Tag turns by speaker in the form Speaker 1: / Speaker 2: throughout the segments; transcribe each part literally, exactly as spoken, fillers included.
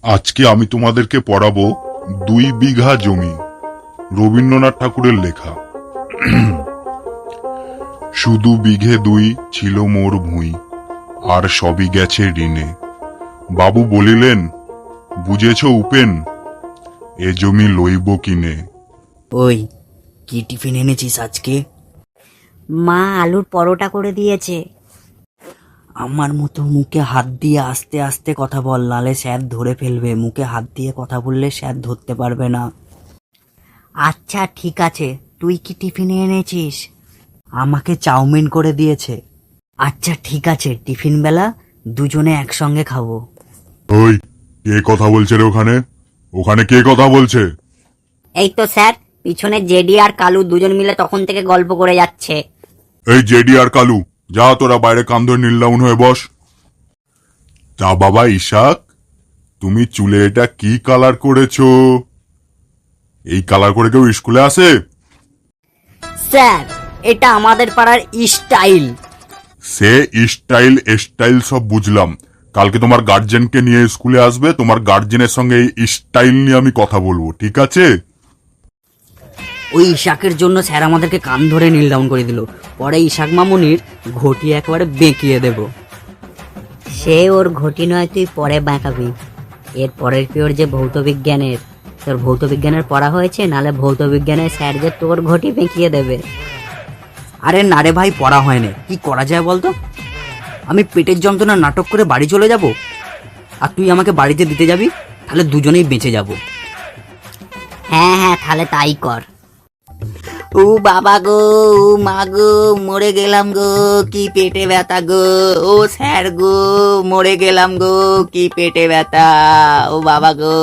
Speaker 1: আজকে আমি তোমাদেরকে পড়াবো দুই বিঘা জমি, রবীন্দ্রনাথ ঠাকুরের লেখা। শুধু বিঘে দুই ছিল মোর ভুঁই, আর সবই গেছে ঋণে। বাবু বলিলেন, বুঝেছ উপেন, এ জমি লইব কিনে।
Speaker 2: ওই কি টিফিন এনেছিস আজকে?
Speaker 3: মা আলুর পরোটা করে দিয়েছে।
Speaker 2: আমার মতো মুখে হাত দিয়ে আস্তে আস্তে কথা বল, নালে স্যার ধরে ফেলবে। মুখে হাত দিয়ে কথা বললে স্যার ধরতে পারবে না।
Speaker 3: আচ্ছা ঠিক আছে, তুই কি টিফিনে এনেছিস?
Speaker 2: আমাকে চাউমিন করে দিয়েছে।
Speaker 3: আচ্ছা ঠিক আছে, টিফিন বেলা দুজনে একসঙ্গে খাবো।
Speaker 1: ওই কে কথা বলছে রে ওখানে? ওখানে কে কথা বলছে?
Speaker 3: এই তো স্যার, পিছনে জেডি আর কালু দুজন মিলে তখন থেকে গল্প করে যাচ্ছে।
Speaker 1: এই জেডি আর কালু, যা তোরা বাইরে কান ধরে নীলডাউন হয়ে বস। তা বাবা ইশাক, তুমি চুলে এটা কি কালার করেছো? এই কালার করে কেউ স্কুলে আসে?
Speaker 3: স্যার, এটা আমাদের পাড়ার স্টাইল।
Speaker 1: সে স্টাইল স্টাইল সব বুঝলাম, কালকে তোমার গার্জেনকে নিয়ে স্কুলে আসবে, তোমার গার্জেনের সঙ্গে এই স্টাইল নিয়ে আমি কথা বলবো, ঠিক আছে?
Speaker 2: ওই ইশাকের জন্য স্যার আমাদেরকে কান ধরে নীল ডাউন করে দিল। পরে ইশাক মামুনির ঘটি একেবারে বেঁকিয়ে দেব।
Speaker 3: সে ওর ঘটি নয়, তুই পরে বাঁকাবি। এর পরের পিওর যে ভৌত বিজ্ঞানের, তোর ভৌত বিজ্ঞানের পড়া হয়েছে, নালে ভৌত বিজ্ঞানের স্যার যে তোর ঘটি বেঁকিয়ে দেবে।
Speaker 2: আরে না রে ভাই, পড়া হয়নি। কি করা যায় বলতো? আমি পেটের যন্ত্রণা নাটক করে বাড়ি চলে যাব, আর তুই আমাকে বাড়িতে দিতে যাবি, তাহলে দুজনেই বেঁচে যাব।
Speaker 3: হ্যাঁ হ্যাঁ, তাহলে তাই কর।
Speaker 2: ও বাবা গো, ও মা গো, মরে গেলাম গো, কি পেটে ব্যথা গো। ও স্যার গো, মরে গেলাম গো, কি পেটে ব্যথা। ও বাবা গো।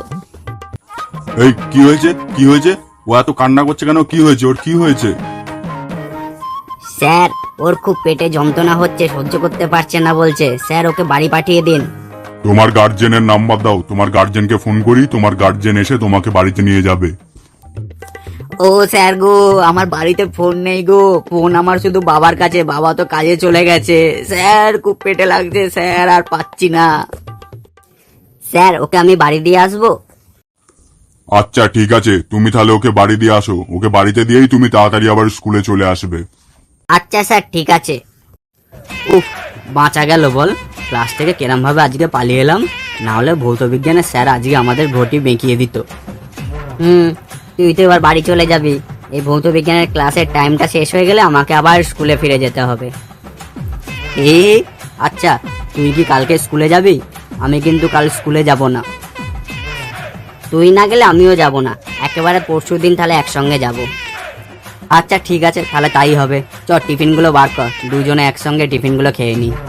Speaker 1: এই কি হয়েছে? কি হয়েছে? ও এত কান্না করছে কেন? কি হয়েছে ওর? কি হয়েছে?
Speaker 3: স্যার, ওর খুব পেটে যন্ত্রণা হচ্ছে, সহ্য করতে পারছে না বলছে। স্যার, ওকে বাড়ি পাঠিয়ে দিন।
Speaker 1: তোমার গার্জেনের নাম্বার দাও, তোমার গার্জেনকে ফোন করি, তোমার গার্জেন এসে তোমাকে বাড়িতে নিয়ে যাবে।
Speaker 2: ও স্যার গো, আমার বাড়িতে ফোন নেই গো, ফোন আমার শুধু বাবার কাছে, বাবা তো কাজে চলে গেছে। স্যার, খুব পেটে লাগছে স্যার, আর পাচ্ছি না।
Speaker 3: স্যার, ওকে আমি বাড়ি দিয়ে আসবো?
Speaker 1: আচ্ছা ঠিক আছে, তুমি তাহলে ওকে বাড়ি দিয়ে আসো, ওকে বাড়িতে দিয়েই তুমি তাড়াতাড়ি আবার স্কুলে চলে আসবে।
Speaker 3: আচ্ছা স্যার, ঠিক আছে।
Speaker 2: উফ, বাঁচা গেল বল। ক্লাস থেকে কেরম ভাবে আজকে পালিয়ে এলাম, না হলে ভৌত বিজ্ঞানের স্যার আজকে আমাদের ঘটি বেঁকিয়ে দিত।
Speaker 3: হুম, তুই তো এবার বাড়ি চলে যাবি। এই ভৌত বিজ্ঞানের ক্লাসের টাইমটা শেষ হয়ে গেলে আমাকে আবার স্কুলে ফিরে যেতে হবে।
Speaker 2: এ আচ্ছা, তুই কি কালকে স্কুলে যাবি? আমি কিন্তু কাল স্কুলে যাব না।
Speaker 3: তুই না গেলে আমিও যাব না, একেবারে পরশু দিন তাহলে একসঙ্গে যাব।
Speaker 2: আচ্ছা ঠিক আছে, তাহলে তাই হবে। চ টিফিনগুলো বার কর, দুজনে একসঙ্গে টিফিনগুলো খেয়ে নি।